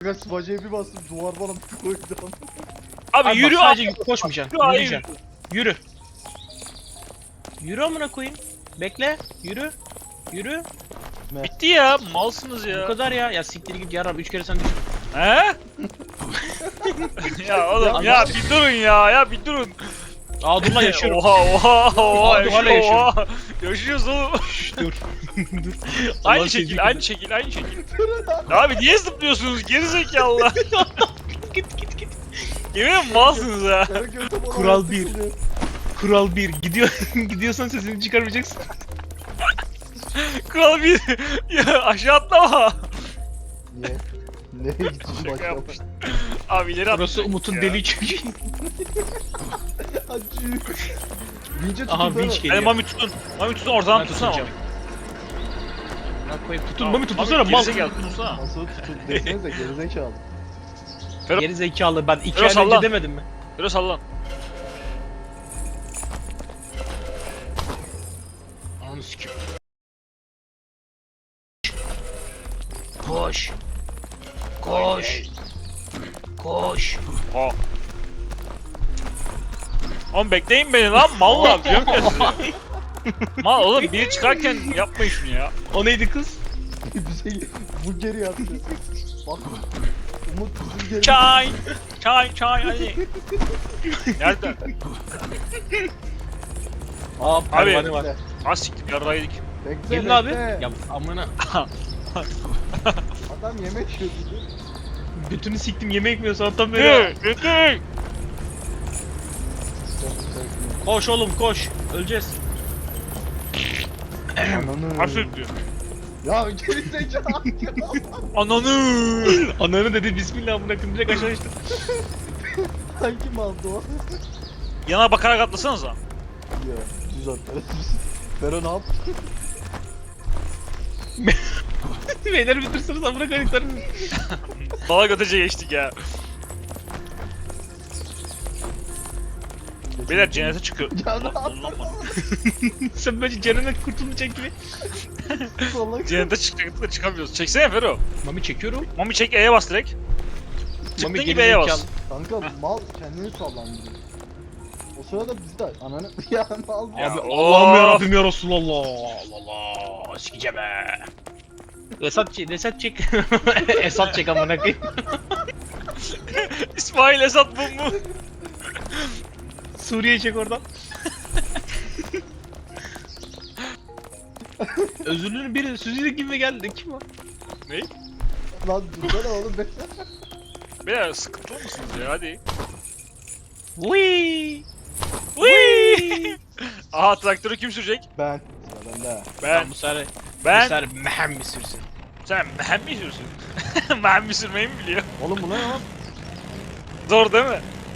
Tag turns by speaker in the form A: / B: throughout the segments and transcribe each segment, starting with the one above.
A: Ben sıvacıya bir bastım duvar bana bir koydu.
B: Abi yürü
C: bak, sadece
B: abi.
C: koşmayacaksın.
B: Yürü,
C: Yürüyeceksin. Yürü. Yürü amına koyayım. Bekle. Yürü. Yürü.
B: Bitti ya. Malsınız ya.
C: Bu kadar ya. Ya siktir git yarab 3 kere sen düştün.
B: He? Ya oğlum ya bir durun ya. Ya bir durun.
C: Aa dur lan yaşıyorum.
B: Oha
C: Abi, hala
B: yaşıyor, oha. Yaşıyoruz oğlum.
C: Dur. Dur.
B: Aynı
C: Allah
B: şekil,
C: sevdiği
B: aynı şekil, aynı şekil. Abi niye zıplıyorsunuz gerizekalılar?
C: Git git git.
B: Yemin malsınız ha.
C: Kural bir. Kural 1. Gidiyorsan sesini çıkarmayacaksın.
B: Kral bir. Ya aşağı atlama.
A: Niye? Nereye gittin
B: Şaka
A: başka?
B: yapmıştım. Abi ileri
C: Burası
B: atlayacak
C: Umut'un
B: ya.
C: deliği çünkü.
A: Acı. Vinç'e tutun.
C: Aha vinç
B: Hadi
C: geliyor.
B: Mami tutun. Mami tutun oradan
C: Ben
B: tutsana Mami.
C: tutacağım. Bak koyayım tutun Mami tutunsana mal.
B: Gerizekalı tutsana.
A: Nasıl tutun desenize gerizekalı.
C: Geri zekalı ben 2
B: Biraz
C: ay önce
B: salla.
C: demedim mi?
B: Biraz sallan.
C: Ananı sikeyim. Koş. Koş. Koş.
B: Ha. Oğlum bekleyin beni lan mallar diyorum ya size. Mal oğlum biri çıkarken yapmayın şunu ya.
C: O neydi kız?
A: Bir şey bu geri yaptı. Bak. Umut bizim geri.
B: Çay. Çay hadi. Nerede?
C: Aa
B: Abi.
C: pervane var.
A: Bekle.
B: Az siktir yarraydık.
A: Bekle.
C: Gelin abi.
A: bekle.
C: Ya amına.
A: Adam yemek yiyordu.
C: Götünü siktim yemek mi yiyorsun tam böyle.
B: Dur.
C: Koş oğlum koş. Öleceğiz.
A: Ananı.
B: Harf diyor.
A: Ya gerizekalı.
B: Ananı.
C: Ananı dedi bismillah amına koyayım direkt aşağı düştü.
A: Hangi maldı o?
B: Yana bakarak atlasanıza.
A: Ya düz atlar. Fero ne yaptı?
C: Beyler bitirsiniz amına koyduklarını.
B: Dala götece geçtik ya. Beyler cennete çıkıyor.
A: Ya ne
B: Lan,
A: yaptın?
B: lan bana.
C: Sen böyle cennet kurtulmayacak gibi.
A: Salak.
B: Cennete çıkacaktık da çıkamıyoruz. Çeksene Fero.
C: Mami çekiyorum.
B: Mami çek E'ye bas direkt. Çıktığın
C: Mami
B: gibi E'ye bas.
C: gerizekalı.
A: Kanka mal kendini sallandırıyor. O sırada biz de ananı ya mal
B: Ya,
C: Abi
B: of.
C: Allah'ım yarabbim ya Resulallah. Allah Allah. Sikeceğim he. Esat çek. Esat çek amına koyayım.
B: İsmail Esat bu mu?
C: Suriye çek oradan. Özürlünün biri Süzücü gibi geldi. Kim o?
B: Ne?
A: lan dursana oğlum be.
B: Beyler sıkıntılı mısınız ya hadi.
C: Wii.
B: Wii! Aha traktörü kim sürecek?
A: Ben. Sıra bende.
B: Ben.
C: Bu sefer
B: Ben.
C: bu sefer mehem mi sürsün?
B: Sen mehem mi sürüyorsun? Mehem mi sürmeyi mi biliyor?
A: Oğlum bu ne lan?
B: Zor değil mi?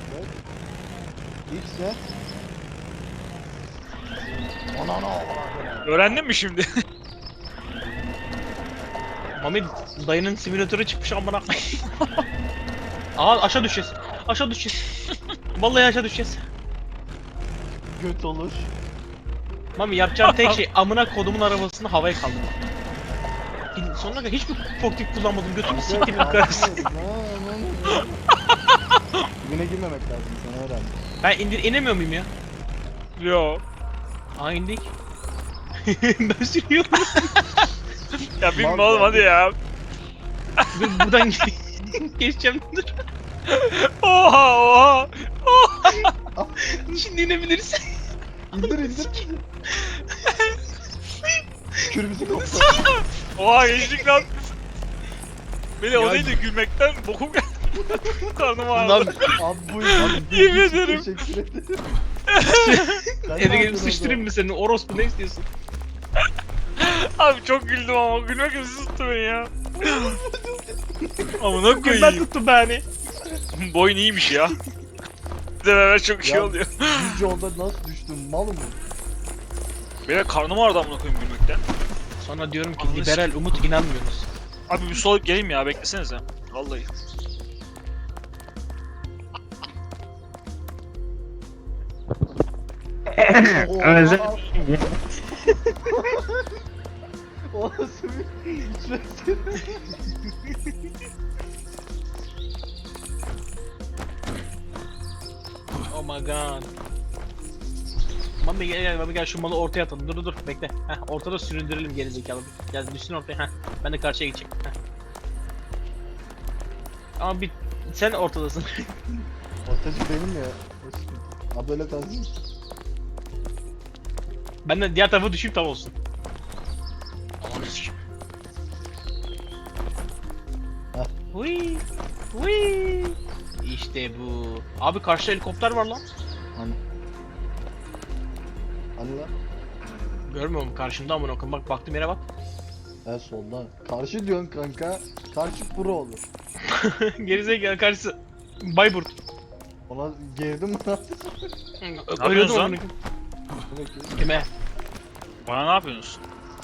A: X ne? Anana.
B: Öğrendin mi şimdi?
C: Mami dayının simülatörü çıkmış amına. Aa aşağı düşeceğiz. Aşağı düşeceğiz. Vallahi aşağı düşeceğiz.
A: Göt olur.
C: Mami yapacağım tek şey amına kodumun arabasını havaya kaldırmak. Sonuna kadar hiçbir forklift kullanmadım. Götümü siktim yukarısı.
A: Dibine girmemek lazım sana öğrendim.
C: Ben inemiyor muyum ya?
B: Yo.
C: Aa indik. Ben sürüyorum.
B: Ya bilme
A: Mal
B: oğlum
A: ya.
B: hadi ya.
C: Dur buradan geçeceğim dur.
B: Oha.
C: Şimdi inebiliriz.
A: İndir. Kürümüzü koptu.
B: Oha geçtik lan. Beni o
C: Ya-
B: değil de gülmekten bokum geldi. Karnım
C: Lan
B: ağrıdı.
A: Abi buyur.
B: Yemin ederim.
A: Teşekkür ederim. Sen ne
C: eve gelip
A: yapıyorsun
C: sıçtırayım mı seni? Orospu ne istiyorsun?
B: Abi çok güldüm ama gülmek üzere tuttu beni ya. Amına
C: Ben
B: koyayım.
C: tuttum beni.
B: Boyun iyiymiş ya. Bir de beraber çok şey
A: Ya-
B: oluyor.
A: Düz yolda nasıl düştün mal mı?
B: Benim karnım ağrıdı amına koyayım gülmekten.
C: Sonra diyorum ki
B: Ananı
C: liberal Umut inanmıyorsunuz.
B: Abi bir solayıp geleyim ya beklesenize. Vallahi.
A: Özel. O nasıl bir içmesi?
C: Oh my god. Mami gel, Mami gel şu malı ortaya atalım. Dur bekle. Heh, ortada süründürelim gerizekalı. Gel düşsün ortaya. Heh, ben de karşıya geçeyim. Heh. Ama bir sen ortadasın.
A: Ortacı benim ya. Ha böyle kalsın.
C: Ben de diğer tarafa düşeyim tam olsun. Aman sikeyim.
A: Heh.
C: Hui. Hui. İşte bu. Abi karşıda helikopter var lan.
A: Hani. Hani lan?
C: Görmüyor musun karşımda amına koyayım. Bak baktım yere bak.
A: Ha solda. Karşı diyorsun kanka. Karşı pro olur.
C: Gerizekalı karşısı. Bayburt.
A: Ona girdim mi lan?
B: yapıyorsun
C: Ölüyordum
B: lan?
C: amına koyayım. Kime?
B: Bana ne yapıyorsunuz?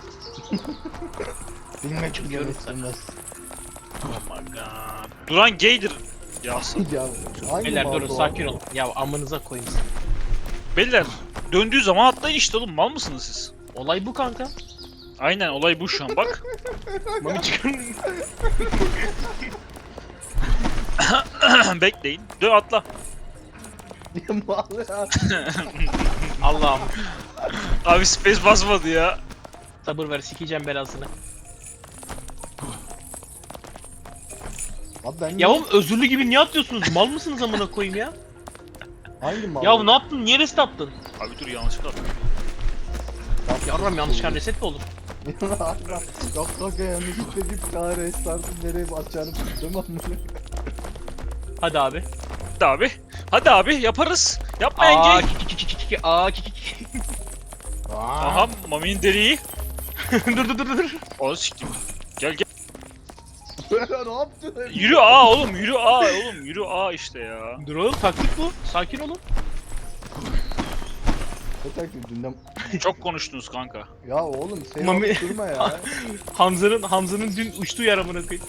A: Bilmek
C: Çıkıyorum
A: istemez.
C: Oh my god.
B: Duran gaydir. Yasın.
A: Ya hangi
C: Beyler
A: mal
C: durun
A: bu?
C: sakin olun. Ya amınıza koyayım sizi.
B: Beyler döndüğü zaman atlayın işte oğlum, mal mısınız siz?
C: Olay bu kanka.
B: Aynen, olay bu şu an bak.
C: Mami çıkın.
B: Bekleyin. Dön atla.
A: Niye mal ya?
C: Allah'ım.
B: Abi space basmadı ya.
C: Sabır ver sikeceğim belasını.
A: Abi ben
C: Ya oğlum özürlü gibi niye atlıyorsunuz? Mal mısınız amına koyayım ya?
A: hangi mal?
C: Ya ne yaptın? Niye reset attın?
B: Abi dur, yanlışlıkla atladım.
C: Yarram yanlışlıkla reset mi olur?
A: Yok kanka yanlışlıkla git daha restartın nereye basacağını bilmiyorum ama.
C: Hadi abi.
B: Hadi abi. Hadi abi yaparız. Yapmayın
C: Aa
B: gay.
C: ki. Aa ki.
B: Aha Mami'nin deliği.
C: dur.
B: Onu siktim. Gel gel.
A: Böyle ne yaptın?
B: Yürü A oğlum, yürü A oğlum, yürü A işte ya.
C: Dur oğlum taktik bu. Sakin olun.
A: Ne taktik dünden?
B: Çok konuştunuz kanka.
A: Ya oğlum seni
C: Mami-
A: alıp durma ya.
C: Hamza'nın dün uçtuğu yer amına koyayım.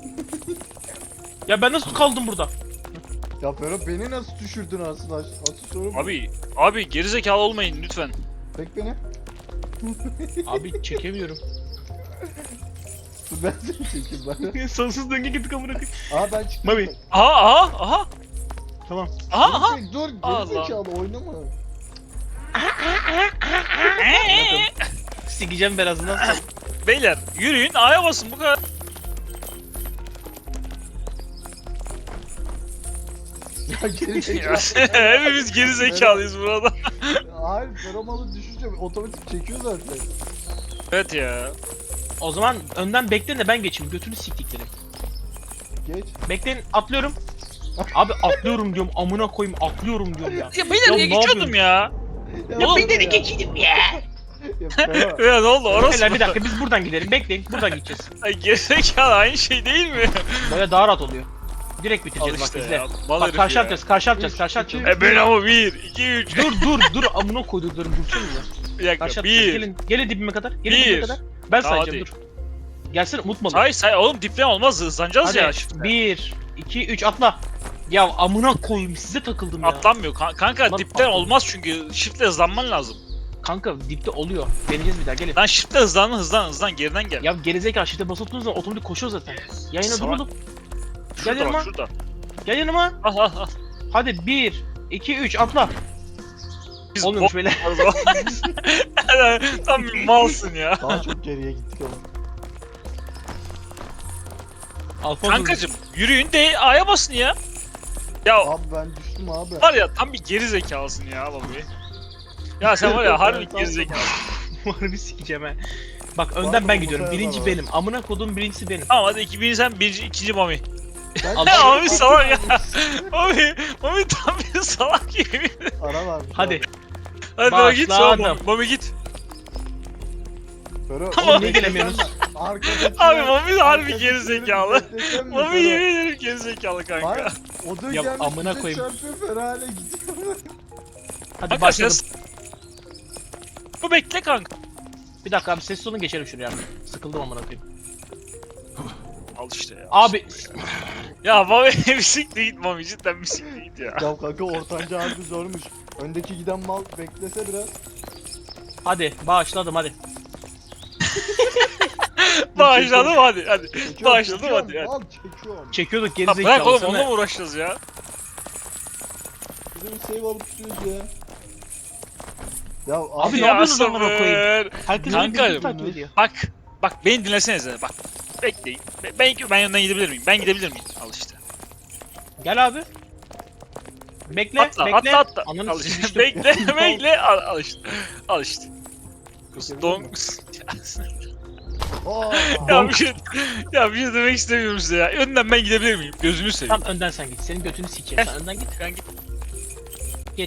C: Ya ben nasıl kaldım burada?
A: Ya Ferhat beni nasıl düşürdün aslında? Asıl soru bu.
B: Abi gerizekalı olmayın lütfen.
A: Çek beni.
C: Abi çekemiyorum.
A: Dur ben seni çekeyim ben.
C: Sonsuz döngü gittik amına koyayım.
A: Aa ben çıktım.
C: Mami.
B: Aha.
C: Tamam.
B: Aha.
A: Dur
B: Allah.
A: gerizekalı oynama.
C: Sikeceğim belasından sonra.
B: Beyler yürüyün, A'ya basın, bu kadar.
A: Ya gerizekalı.
B: Hepimiz gerizekalıyız burada.
A: Hayır Ferhat'ı düşünce otomatik çekiyor zaten.
B: Evet ya.
C: O zaman önden bekleyin de ben geçeyim. Götünü siktiklerim.
A: Geç.
C: Bekleyin atlıyorum. Abi atlıyorum diyorum amına koyayım atlıyorum diyorum ya.
B: Ya beyler
C: Ya
B: niye
C: ne
B: geçiyordum ya?
A: Ya
B: Oğlum,
A: bekle
C: geçeyim ya.
A: Ya Ferhat.
B: Ya ne oldu orası
C: Beyler
B: mı?
C: bir dakika biz buradan gidelim. Bekleyin buradan gideceğiz.
B: Ay gerizekalı, aynı şey değil mi?
C: Böyle daha rahat oluyor. Direkt
B: Al
C: bitireceğiz bak
B: işte
C: izle.
B: ya. Mal
C: Bak
B: herif
C: karşı
B: ya.
C: yapacağız karşı yapacağız.
B: Ben ama 1, 2, 3.
C: Dur amına koyduklarım dursanıza.
B: Bir dakika.
C: Karşı yapacağız.
B: 1.
C: Gelin dibime kadar. Gelin
B: Bir.
C: dibime kadar. Ben
B: Tamam,
C: sayacağım dur. Gelsene unutma.
B: Say oğlum, dipten olmaz, hızlanacağız
C: Hadi
B: ya şimdi.
C: 1 2 3 atla. Ya amına koyayım size takıldım ya.
B: Atlanmıyor kanka,
C: Lan
B: dipten
C: atla.
B: olmaz çünkü shiftle hızlanman lazım.
C: Kanka dipte oluyor. Deneyeceğiz bir daha gelin.
B: Lan shiftle hızlan geriden gel.
C: Ya gerizekalı şifte basılı tuttuğunuz zaman otomatik koşuyor zaten. Yayına dur
B: Salak.
C: oğlum.
B: Şurada
C: yanıma.
B: bak, şurada.
C: Gel yanıma.
B: Al.
C: Hadi 1 2 3 atla.
B: Biz
C: Olmuyormuş böyle.
B: Tam bir malsın ya.
A: Daha çok geriye gittik ama.
C: Alfonso.
B: Kankacım yürüyün de A'ya basın ya. Ya
A: Abi ben düştüm abi.
B: var ya, tam bir geri zekalısın ya babi. Ya sen var ya harbi geri zekalısın.
C: Harbi sikeceğim he. Bak
A: Var
C: önden
A: mı
C: ben
A: bu
C: gidiyorum.
A: sefer
C: Birinci
A: var?
C: benim. Amına kodum birincisi benim.
B: Tamam hadi, birinci sen, ikinci Mami.
A: Ben-
C: Al-
B: Ya Mami salak ya. Mami tam bir salak gibi.
A: Ara varmış.
C: Hadi.
B: Hadi Mami git sonra
C: Başladım.
B: Mami git.
A: Ferhat.
B: Tamam.
C: Niye gelemiyoruz?
A: Arkadaşlar.
B: Abi Mami de harbi geri zekalı. Mami
A: Mami
B: yemin ederim geri zekalı kanka.
A: Hayır. O da
C: Ya
A: gelmiş
C: amına
A: bize
C: koyayım.
A: çarpıyor Ferhat'a gidiyor.
C: Hadi
B: Kanka
C: başladım.
B: Bu bekle kanka.
C: Bir dakika abi sessiz olun geçelim şuraya. Sıkıldım amına koyayım.
B: Al işte ya.
C: Abi
B: Ya Mami bisikle git Mami, cidden bisikle git ya.
A: Ya kanka ortanca harbi zormuş. Öndeki giden mal beklese biraz.
C: hadi başladım hadi.
B: Başladım hadi.
A: Çekiyorum,
B: Başladım
A: çekiyorum,
B: hadi.
A: Mal çekiyorum.
C: Çekiyorduk
B: Ya bırak
C: gerizekalı
B: oğlum,
C: sana.
B: onunla mı uğraşacağız ya?
A: Yürü save alıp tutuyoruz ya. Ya
C: Abi ne
B: Ya
C: yapıyorsunuz amına koyayım?
B: sabır.
C: Herkes
B: Kanka,
C: birbirini takip ediyor.
B: Bak beni dinlesenize bak. Bekleyin. Ben yanından gidebilir miyim? Ben gidebilir miyim? Al işte.
C: Gel abi. Bekle,
B: Atla
C: bekle.
B: atla.
C: Ananı
B: Al işte.
C: sikiştim.
B: Bekle. Al işte. Al işte. Don...
A: Aa,
B: ya bir şey demek istemiyorum size ya. Önden ben gidebilir miyim? Gözünü seveyim.
C: Tam önden sen git. Senin götünü sikeyim. Sen önden git.
B: Ben git.
C: Git.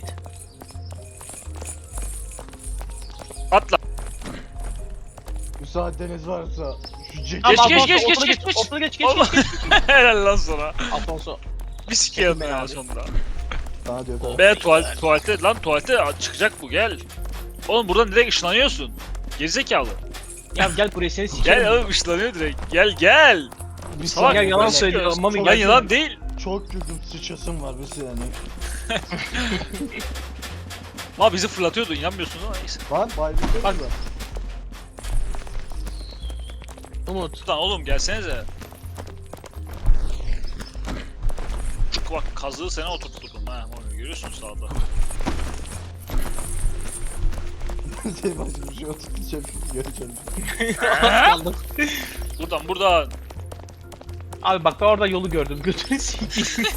B: Atla.
A: müsaadeniz varsa şu ceket.
C: Tamam,
B: geç,
C: Alfonso,
B: geç,
C: ortada
B: geç, geç.
C: Ortada geç, geç,
B: Oğlum.
C: geç.
B: Helal lan sana.
C: Alfonso.
B: Bir sikeyim
C: Çekin beni
B: ya
C: abi.
B: sonunda.
A: Sana diyor tamam.
B: Be tuvalete lan tuvalete çıkacak bu gel. Oğlum buradan direkt ışınlanıyorsun. Gerizekalı.
C: Ya gel buraya seni sikerim.
B: Gel oğlum ışınlanıyor direkt. Gel.
A: Bir
B: Salak,
C: Ya
A: saniye,
C: yalan
A: ben-
C: söylüyor. Mami
B: Lan
C: gel.
B: yalan değil.
A: Çok güldüm, sıçasım var bir saniye.
B: Ama bizi fırlatıyordu inanmıyorsun ama neyse.
A: Lan bayılıyor
C: Bak.
A: da.
C: Umut.
B: Lan oğlum gelsenize. Çünkü bak kazığı sana oturtturdum ha. Onu görüyorsun sağda.
A: Senin başına bir şey oturtacağım göreceğim.
C: Kaldım.
B: Buradan.
C: Abi bak ben orada yolu gördüm. Götünü sikeyim.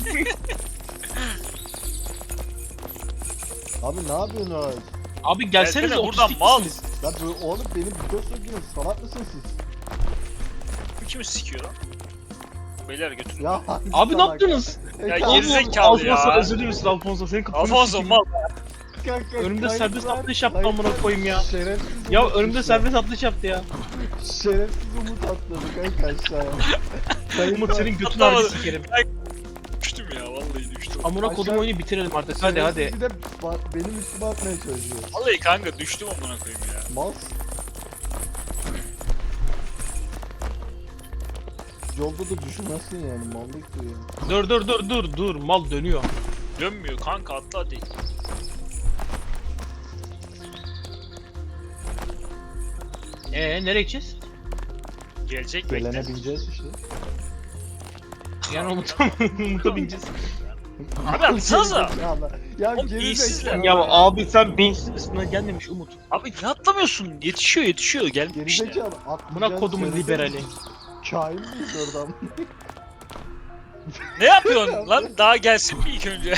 A: Abi ne yapıyorsunuz?
C: Abi gelsenize
B: Gelsene buradan,
C: otistik
B: mal.
C: misiniz?
A: Ya bu oğlum benim video sokuyorsunuz, salak mısınız siz?
B: Bu kimi sikiyor lan? Beyler götürün.
A: Ya hangi
C: Abi ne
A: salak?
C: yaptınız?
B: Ya
A: Kanka,
B: gerizekalı ya.
C: Alfonso özür dilerim Alfonso. Senin kafanı
B: Alfonso
C: sikeyim.
B: mal.
A: kanka,
C: Önümde
A: kayıt
C: serbest
A: var,
C: atlayış yaptı
A: kayıt
C: amına
A: var.
C: koyayım ya.
A: Şerefsiz
C: Ya
A: Umut
C: önümde
A: işte.
C: serbest atlayış yaptı ya.
A: Şerefsiz Umut atladı kanka aşağıya. Kayıt
C: Umut
A: var.
C: senin götünü
B: Atlamadı.
C: harbi sikerim.
B: Düştüm ya vallahi düştüm.
C: Amına
A: Aşağı-
C: kodum oyunu bitirelim artık. Hadi
A: Şerefsiz
C: hadi.
A: Bir de benim üstüme atmaya çalışıyor.
B: Vallahi kanka düştüm amına koyayım ya.
A: Mal. Yolda da düşmezsin yani mallık diyor.
C: Dur mal dönüyor.
B: Dönmüyor kanka atla hadi.
C: Nereye gideceğiz?
B: Gelecek
A: Gelene
B: bekle.
A: bineceğiz işte.
C: Yani Umut'a bineceğiz.
B: Abi atsanıza.
A: Ya
B: Oğlum,
A: geri
B: iyisizler.
A: zekalı.
C: Ya abi sen beyinsiz misin? Gelmemiş Umut.
B: Abi ne atlamıyorsun? Yetişiyor
A: Geri
B: gelmiş işte.
A: zekalı.
C: Buna kodumun liberali.
A: Kain miyiz oradan?
B: Ne yapıyorsun lan? Daha gelsin bir ilk önce.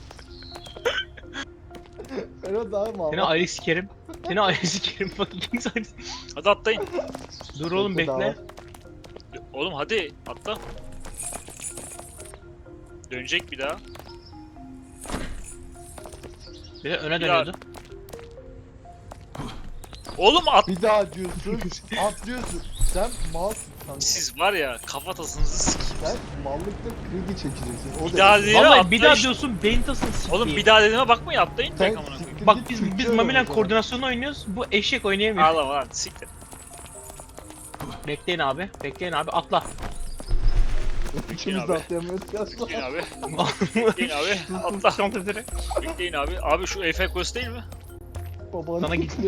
A: Ben o daha mal.
C: Seni ayrı sikerim. Seni ayrı sikerim. Bak ikimiz ayrı.
B: Hadi atlayın.
C: Dur oğlum
A: Bekle,
C: bekle.
B: Oğlum hadi atla. Dönecek bir daha.
C: Bir de öne
B: Bir daha-
C: dönüyordu.
B: Oğlum
A: Bir daha diyorsun, atlıyorsun. Sen malsın kanka.
B: siz var ya kafatasınızı sikeyim.
A: Sen mallıkta kredi çekeceksin. O
B: Bir
A: da-
B: daha değil.
C: Vallahi
B: atla
C: bir daha
B: işte.
C: diyorsun beyin tasını sikeyim.
B: Oğlum bir daha dediğime bakmayın atlayın
A: Sen
B: tek amına koyayım.
A: siktir
C: Bak
A: git,
C: biz
A: Türkçe
C: Mami'yle
A: öğren o zaman.
C: koordinasyonu oynuyoruz. Bu eşek oynayamıyor.
B: Ağlama lan siktir.
C: Bekleyin abi. Bekleyin abi. Atla.
A: İkimiz de
B: abi.
A: atlayamıyoruz ya.
B: Bekleyin abi. Bekleyin abi. Atla.
C: Şant ederek.
B: Bekleyin abi. Abi şu Eiffel Kulesi değil mi?
A: Babanın
C: Sana git.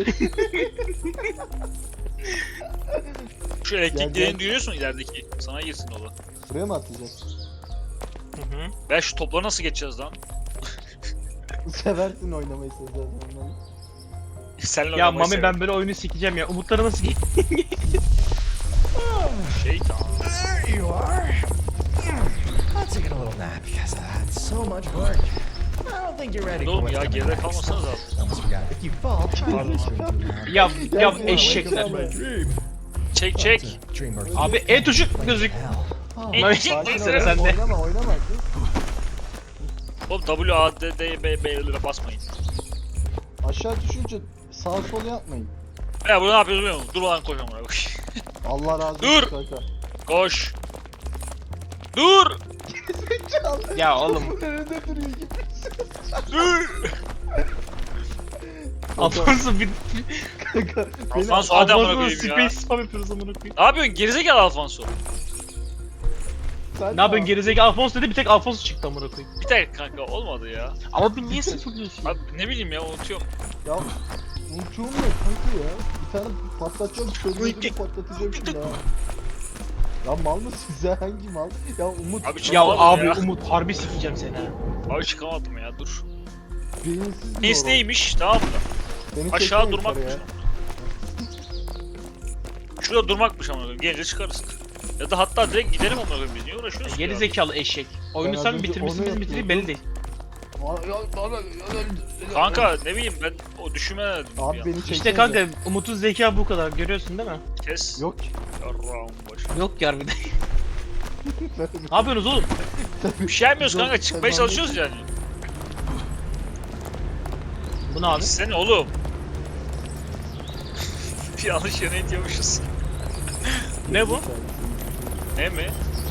B: Şu
A: Gel,
B: elektrik
A: gel.
B: direğini duyuyorsun ilerideki. Sana girsin o da.
A: Buraya mı atlayacağız?
C: Hı hı.
B: Ben şu topları nasıl geçeceğiz lan?
A: Seversin oynamayı sen zaten ondan.
B: Seninle
C: Ya
B: oynamayı
C: Mami
B: severim.
C: ben böyle oyunu sikeceğim ya. Umutları nasıl
B: Şeytan.
D: There you are. I'll take a little nap because that's so much work. I don't think you're ready for
B: Oğlum
D: what's
B: ya
D: coming
B: geride
D: next.
B: kalmasanız abi.
D: Almost forgot. If you fall,
B: Pardon.
D: it's going to be
C: Ya
A: Gel,
C: eşekler.
D: dream.
B: Çek çek.
D: Dream or
C: Abi E tuşu gözük.
D: hell.
C: Mami
A: Sakin ol,
C: sıra sende.
A: oynama kız.
B: Oğlum W, A, D, D, B, B'lere basmayın.
A: Aşağı düşünce sağ sol yapmayın.
B: Ya burada ne yapıyoruz biliyor musun? Dur lan koş amına koy.
A: Allah razı olsun
B: Dur.
A: kanka.
B: Koş. Dur.
C: Ya oğlum.
A: Önünde duruyor gibi.
B: Dur.
C: Alfonso bir...
A: Kanka. beni-
B: Alfonso hadi amına
C: Alfonso
B: koyayım ya.
C: space spam yapıyoruz amına koyayım.
B: Ne yapıyorsun gerizekalı Alfonso?
A: Sen
C: Ne yapıyorsun gerizekalı Alfonso dedi bir tek Alfonso çıktı amına koyayım.
B: Bir tek kanka olmadı ya.
C: Ama bir niye sıfırlıyorsun?
B: Abi ne bileyim ya unutuyorum.
A: Ya unutuyorum ya kanka ya. Bir tane patlatacağım, sözünü patlatacağım şimdi ha. Ya mal mı size hangi mal? Ya Umut.
B: Abi
C: Ya
B: çıkamadım
C: abi
B: ya.
C: Umut harbi sikeceğim seni ha.
B: Abi çıkamadım ya dur.
A: Beyinsiz mi
B: Neyse
A: oğlum?
B: neymiş tamam mı?
A: Beni
B: Aşağı
A: çekmeyin
B: durmakmış.
A: yukarıya.
B: Şurada durmakmış amına koyayım. Gelince çıkarız. Ya da hatta direkt gidelim amına koyayım biz. Niye uğraşıyoruz ki
C: Geri
B: ya?
C: zekalı eşek. Oyunu
A: Ben az
C: sen
A: önce
C: bitirmişsin
A: onu
C: biz bitireyim belli değil.
B: Kanka ne bileyim ben o düşünme
A: Abi beni çekmeyin.
C: İşte kanka Umut'un zeka bu kadar görüyorsun değil mi?
B: kes.
A: Yok ki.
B: Yarrağım başı.
C: Yok ya harbiden. Ne yapıyorsunuz oğlum?
B: Bir şey yapmıyoruz kanka
A: Yok,
B: çıkmaya
A: sen
B: çalışıyoruz yani.
C: Bu ne abi?
B: Sen oğlum. Bir yanlış yere itiyormuşuz.
C: Ne bu?
B: Ne mi?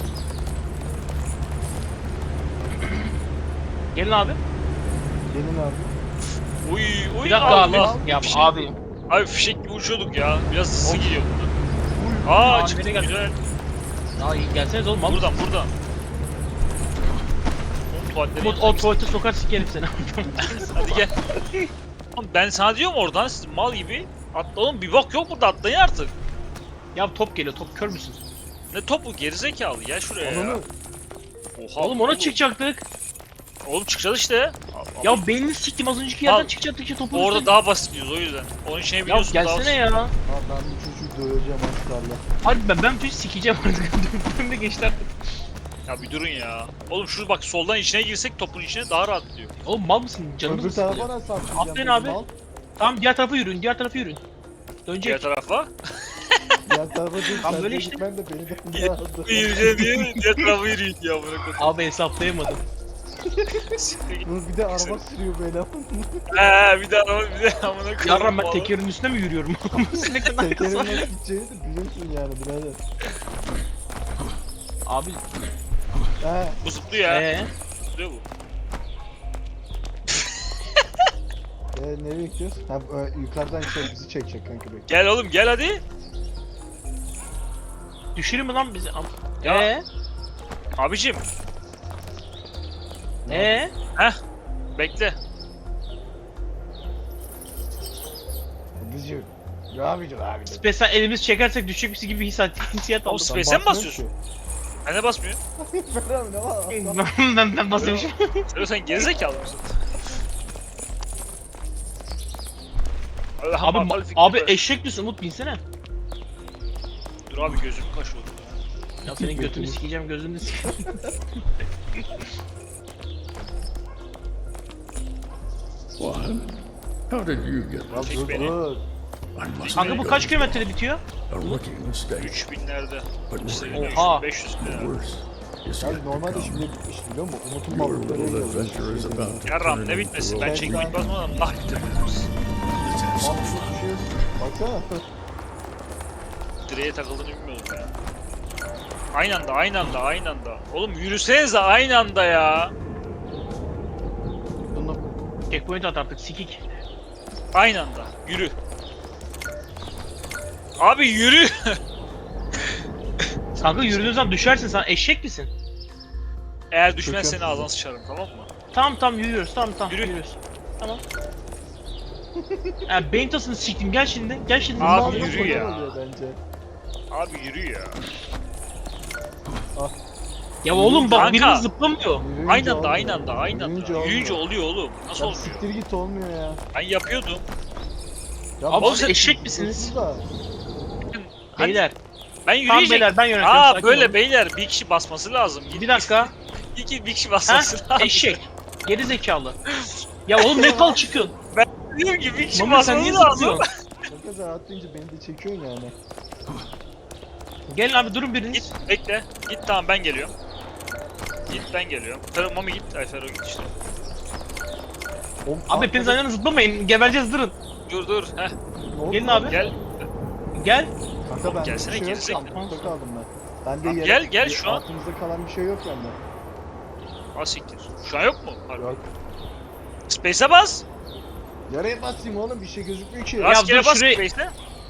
C: Gelin abi.
A: Gelin abi.
B: Uy uy
C: Bir dakika
B: Allah.
C: abi. Ya
B: Fişek-
C: abi.
B: Abi fişek gibi uçuyorduk ya. Biraz hızlı gidiyor burada.
C: Aa,
B: Aa çıktı
C: nereye geldin?
B: güzel.
C: Aa iyi gelseniz oğlum abi.
B: Buradan. Oğlum tuvaletlerin
C: Umut
B: yanına
C: o
B: gitsin.
C: tuvalete sokar sikerim seni.
B: Hadi gel. Oğlum ben sana diyorum oradan siz mal gibi. Atla oğlum bir bok yok burada atlayın artık.
C: Ya top geliyor top kör müsün?
B: Ne topu gerizekalı gel şuraya ya.
A: Ananı.
B: Oha.
C: Oğlum ona çıkacaktık.
B: Oğlum çıkacağız işte.
C: Ya beynini siktim az önceki yerden
B: Al.
C: çıkacaktık işte topu.
B: Orada daha basit gidiyoruz o yüzden. Onun içine
C: Ya
B: biliyorsun daha
C: gelsene ya.
A: Abi ben bu çocuğu döveceğim aslarla.
C: Hadi ben çocuğu sikeceğim artık. Önümde geçti artık.
B: Ya bir durun ya. Oğlum şu bak soldan içine girsek topun içine daha rahat gidiyor.
C: Oğlum mal mısın? Canımız
A: Öbür
C: mı
A: tarafa
C: sıkılıyor?
A: nasıl atlayacağım?
C: Atlayın
A: peki,
C: abi.
A: mal?
C: Tamam diğer tarafa yürüyün diğer tarafa yürüyün.
B: Diğer
C: Dönecek.
B: tarafa.
A: Diğer tarafa değil.
C: Tam
A: sen
C: böyle
A: de
C: işte.
A: gitmen de beni de aldı.
B: Yürüyeceğim diye diğer tarafa yürüyün ya bırakın.
C: Abi hesaplayamadım.
B: Siktir git.
A: Dur bir de araba sürüyor böyle.
B: Bir de ama bir de amına koyayım.
C: Yarram ben
B: vallahi.
C: tekerin üstüne mi yürüyorum? Sinekten
A: Tekerin
C: arkası.
A: nasıl gideceğini de biliyorsun yani birader.
C: Abi
A: He.
B: Bu zıplıyor ya. Zıplıyor bu.
A: Nereye gidiyoruz? Ha yukarıdan şey bizi çekecek kanka bekle.
B: Gel oğlum gel hadi.
C: düşürür mü lan bizi?
B: Ya. Abicim bekle.
A: Bizi. Ya bir dur abi.
C: Mesela elimiz çekersek düşecekmiş gibi hissiyat
B: Oğlum
C: aldım.
B: Space'e mi basıyorsun? Ben de basmıyor.
A: Ben abi ne var?
C: ben basıyormuşum.
B: Sen gerizekalı mısın?
C: Abi eşek misin Umut binsene.
B: Dur abi gözüm kaşıyor.
C: Ya senin götünü sikeceğim gözünü sikeceğim.
E: What? How did you get
A: Ya
B: Çek
A: dur
B: beni.
A: dur.
E: I must
C: Kanka bu
E: make
C: kaç kilometrede bitiyor?
E: a rookie mistake.
B: 3000'lerde.
E: But
B: İşte
E: more
C: Oha.
B: 500 lira.
E: worse is
A: Ya
E: yet to
A: normalde
E: come.
A: şimdi bitmiş biliyor musun? Umut'un
E: Your
A: balıkları
E: little
A: yiyor.
E: adventure is about to
B: Yarram
E: turn
B: ne
E: into
B: bitmesi?
E: a
B: Ben
A: Ben
B: çekmek
A: sen-
B: basmadan nah bitirdim.
E: Let's have some
A: Mantıklı
E: fun.
A: bir şey yok. Baksana.
B: Direğe takıldığını bilmiyordum ya. Aynı anda. Oğlum yürüsenize aynı anda ya.
A: Bunu
C: Checkpoint at artık sikik.
B: Aynı anda. Yürü. Abi yürü.
C: Kanka yürüdüğün zaman düşersin sen eşek misin?
B: Eğer düşmezsen
A: Çekiyorum
B: ağzına
A: sizi.
B: sıçarım tamam mı?
C: Tamam yürüyoruz tamam
B: Yürü.
C: yürüyoruz. Tamam. Ya beyin tasını siktim gel şimdi
B: Abi
A: mal
B: yürü
A: yok,
B: ya.
A: motor oluyor bence.
B: Abi yürü ya.
C: Ya oğlum bak
B: Kanka.
C: birimiz zıplamıyor.
A: Yürüyünce
B: Aynı
A: olmuyor.
B: anda. Yürüyünce oluyor oğlum. Nasıl
A: Ya
B: olmuyor?
A: siktir git olmuyor ya.
B: Ben yapıyordum.
A: Ya
C: Abi
A: bak-
C: siz eşek misiniz?
A: Da.
B: Hadi.
C: Beyler.
B: Ben
C: Tamam
B: yürüyecek.
C: beyler ben yönetiyorum.
B: Aa
C: sakin
B: böyle
C: olun.
B: beyler bir kişi basması lazım.
C: Bir dakika.
B: Bir kişi
C: Ha?
B: basması lazım.
C: Eşek. Geri zekalı. Ya oğlum ne kal çıkıyorsun?
B: Diyorum ki bir kişi
C: Mami sen niye
B: basması lazım.
C: zıplıyorsun?
A: Kanka sen atlayınca beni de çekiyorsun yani.
C: Gelin abi durun biriniz.
B: Git bekle. Git tamam ben geliyorum. Git ben geliyorum. Fero Mami git. Ay Fero git işte.
C: Abi hepiniz aynı anda zıplamayın. Gebereceğiz durun.
B: Dur. Heh
C: Gelin abi.
B: gel.
C: Gel.
A: Kanka ben
B: Gelsene,
A: bir şey yok.
B: gerizekalı.
A: Altımda kaldım ben. Ben de
B: Tamam,
A: yere-
B: gel şu an.
A: Altımızda kalan bir şey yok bende.
B: Ha siktir. Şu an yok mu? Harbi.
A: Yok.
B: Space'e bas.
A: Yaraya basayım oğlum bir şey gözükmüyor ki.
B: Rastgele
C: dur
B: bas
C: şuraya-
B: Space'e.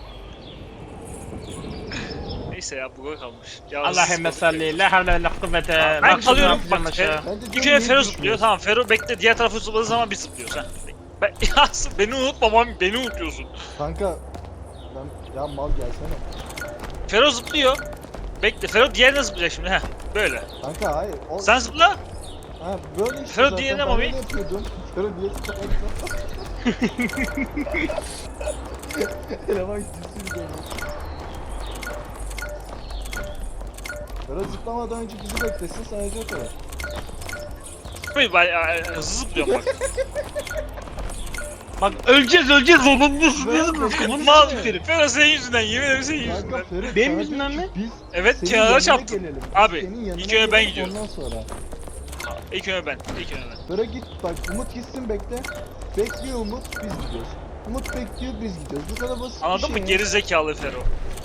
B: Neyse ya buga kalmış. Yalnız
C: Allahümme salli. La havle ve la kuvvete.
B: Ben
C: Bak,
B: kalıyorum,
C: şunu
B: bak,
C: yapacağım aşağı.
A: Ben de
B: Bir
A: diyorum,
B: kere
A: niye
B: Fero
A: gözükmüyor?
B: zıplıyor. Tamam Fero bekle diğer tarafı zıpladığı zaman biz zıplıyoruz ha. Beni unutma Mami beni unutuyorsun.
A: Kanka ben ya mal gelsene.
B: Fero zıplıyor. Bekle Fero diğerine zıplayacak şimdi ha. Böyle.
A: Kanka hayır. O...
B: Sen zıpla.
A: Ha böyle işte
B: Fero
A: zaten
B: diye ne
A: ben
B: Mami?
A: öyle yapıyordum. Fero diye sıkıntı. Eleman gitsin de. Fero zıplamadan önce bizi beklesin sadece o kadar.
B: Ben hızlı zıplıyorum bak.
C: Bak öleceğiz onunla zıplıyorsunuz. Kafanı
B: Mal.
C: siktirim.
B: Fero senin yüzünden, yemin ederim senin
A: Kanka
B: yüzünden.
A: Fero
C: Benim
A: sana
C: yüzümden
A: diyor ki
C: mi?
A: Biz
B: Evet,
A: senin
B: kenara
A: yanına
B: çarptım.
A: gelelim. Biz
B: Abi,
A: senin yanına
B: ilk önce ben
A: gelelim,
B: gidiyorum.
A: Ondan sonra.
B: İlk önce ben.
A: Fero git bak Umut gitsin bekle. Bekliyor Umut biz gidiyoruz. Umut bekliyor biz gidiyoruz. Bu kadar basit
B: Anladın
A: bir
B: mı?
A: şey.
B: Geri zekalı Fero.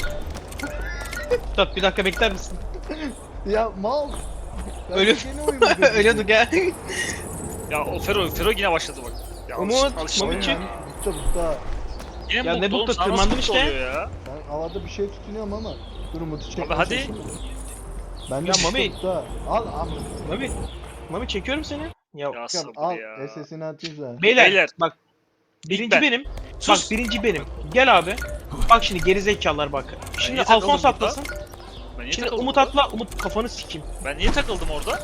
C: Dur bir dakika bekler misin?
A: Ya mal. Ben
C: Öyle-
A: seni uyumu
C: Ölüyorduk ya.
B: Ya o Fero yine başladı bak. Ya
C: Umut,
B: alıştı
C: Mami
B: ya.
C: çık.
A: Butta.
B: Yine
C: Ya
B: mutlu
C: ne
B: oğlum,
C: mutlu,
B: sana nasıl
C: tırmandın
B: mutlu
C: işte.
B: oluyor ya?
A: Ben havada bir şey tutunuyorum ama. Dur Umut'u çekmeye
B: Abi hadi.
A: çalışıyorum. Ben de
C: Ya Mami.
A: Butta. Al.
C: Mami çekiyorum seni. Ya
B: Ya sabır
A: Al.
B: ya.
A: SS'ini atayım sana.
C: beyler, bak.
B: İlk
C: Birinci
B: ben.
C: benim.
B: Sus.
C: Bak birinci benim. Gel abi. Bak şimdi gerizekalılar bak. Şimdi
B: niye takıldım
C: Alfonso
B: burada?
C: atlasın.
B: Ben niye
C: Şimdi
B: takıldım
C: Umut
B: orada?
C: atla. Umut kafanı sikeyim.
B: Ben niye takıldım orada?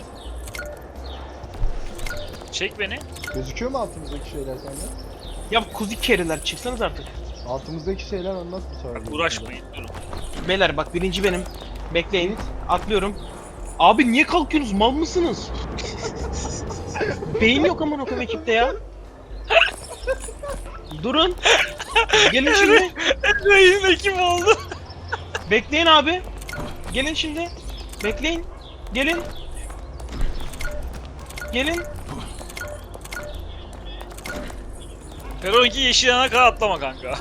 B: Çek beni.
A: Gözüküyor mu altımızdaki şeyler sende?
C: Ya kuzi keriler çıksanız artık.
A: Altımızdaki şeyler anlat bir sonra.
B: Uğraşmayın durun.
C: Beyler bak birinci benim. Bekleyin.
A: Git.
C: Atlıyorum. Abi niye kalkıyorsunuz? Mal mısınız? Beyin yok aman okul ekipte ya. Durun. Gelin şimdi.
B: Yine kim oldu?
C: Bekleyin abi. Gelin şimdi. Bekleyin. Gelin. Gelin.
B: Fero'nunki yeşil yana kadar atlama kanka.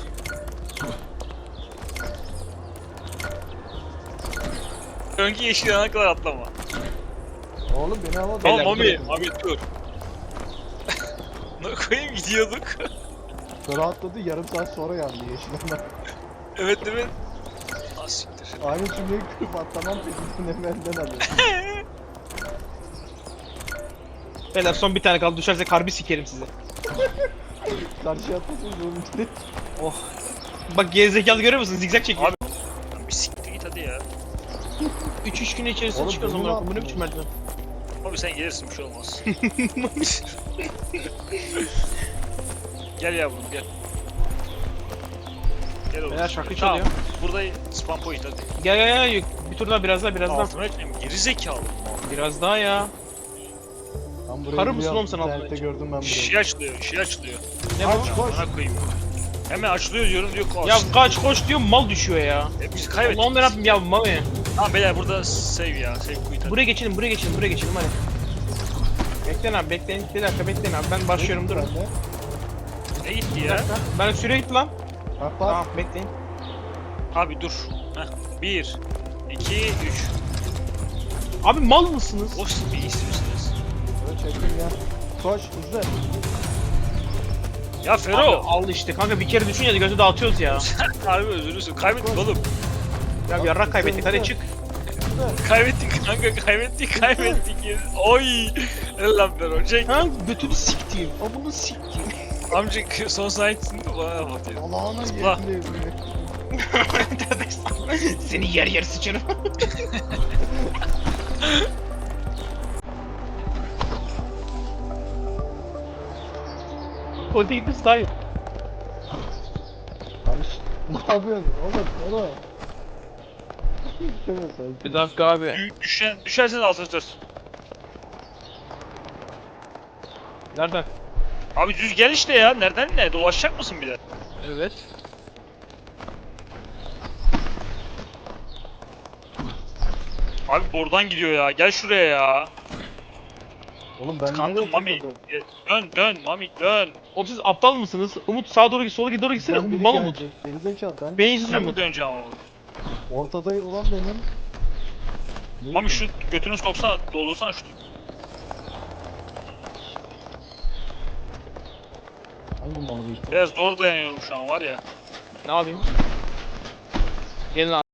B: Fero'nunki yeşil yana kadar atlama.
A: Oğlum beni havada.
B: Tamam
C: Beyler,
B: Mami dur. Ne koyayım gidiyorduk.
A: Sonra atladı yarım saat sonra yandı yeşil ama.
B: Evet. Ah siktir.
A: Aynı cümleyi kırıp atlamam peşinden benden alıyor.
C: Beyler son bir tane kaldı. Düşersek harbi sikerim sizi.
A: Karşıya atlasın zorun içinde.
C: Bak gerizekalı görüyor musun? Zigzag çekiyor.
B: Abi. Lan bir siktir git hadi ya.
C: 3 gün içerisinde
A: Oğlum,
C: çıkıyoruz
A: bunu
C: onlar.
A: ne
C: Bu ne
A: yaptın
C: biçim merdiven?
B: Abi sen gelirsin bir şey olmaz. Gel yavrum gel. Gel oğlum.
C: Beyler şarkı
B: Tamam,
C: çalıyor.
B: burada spam point hadi.
C: Gel. Bir tur daha biraz daha.
B: Altıma etmeyeyim geri zekalı.
C: Biraz daha ya.
A: Ben burayı
C: Karı mısın
A: biliyorum,
C: oğlum sen
A: internette
C: altına?
A: gördüm ben burayı.
B: Şey açılıyor.
C: Ne bu?
A: Aç koş.
B: Bana koyayım. Hemen açılıyor diyorum diyor koş.
C: Ya kaç koş diyor mal düşüyor ya.
B: Biz kaybettik.
C: Allah'ım yarabbim ya Mami.
B: Tamam beyler burada save ya. Save quit hadi.
C: Buraya geçelim hadi. Bekleyin abi bekleyin. Bir dakika bekleyin abi ben başlıyorum durun.
A: Ben de.
B: Ne gitti
C: Bir
B: ya?
C: dakika. Ben süre gitti lan.
A: Bak bak.
C: Tamam bekleyin.
B: Abi dur. Heh. 1, 2, 3.
C: Abi mal mısınız?
B: O siz bir istiyorsunuz.
A: Böyle çektim ya. Koş hızlı.
B: Ya
C: Abi,
B: Fero.
C: al işte kanka bir kere düşünce de gözü dağıtıyoruz ya.
B: Harbi özürlüsün. Kaybettik oğlum.
C: Ya yarrak kaybettik hadi çık.
B: Kaybettik kanka kaybettik. Oy. El lan Fero. Çek.
C: Ha götünü siktiğim. Amını siktiğim.
B: Amca son sahipsin de bana batıyor.
A: Allah'ına
B: Zıpla.
A: yerinde yüzüne.
C: Seni yer sıçarım. Tuvalete gitmesi daha iyi.
A: Abi ne yapıyorsun oğlum? Şöyle sanki.
C: Bir dakika abi.
B: Düşersen altına tut.
C: Nereden?
B: Abi düz gel işte ya. Nereden ne? Dolaşacak mısın bir de?
C: Evet.
B: Abi oradan gidiyor ya. Gel şuraya ya.
A: Oğlum ben
B: Kandım
A: nereye
B: Mami.
A: takıldım?
B: Dön Mami dön.
C: Oğlum siz aptal mısınız? Umut sağa doğru git, sola doğru gitsene.
A: Ben biri
C: Mal Umut.
A: gelecek. Gerizekalı ben.
C: Beyinsiz
B: Sen mi
C: Umut.
B: döneceksin oğlum?
A: Ortada olan benim. Ne
B: Mami şu
A: bileyim.
B: götünü soksana, doldursana şunu.
A: Hangi malı bu işte?
B: Biraz zor dayanıyorum şu an var ya.
C: Ne yapayım? Gelin abi.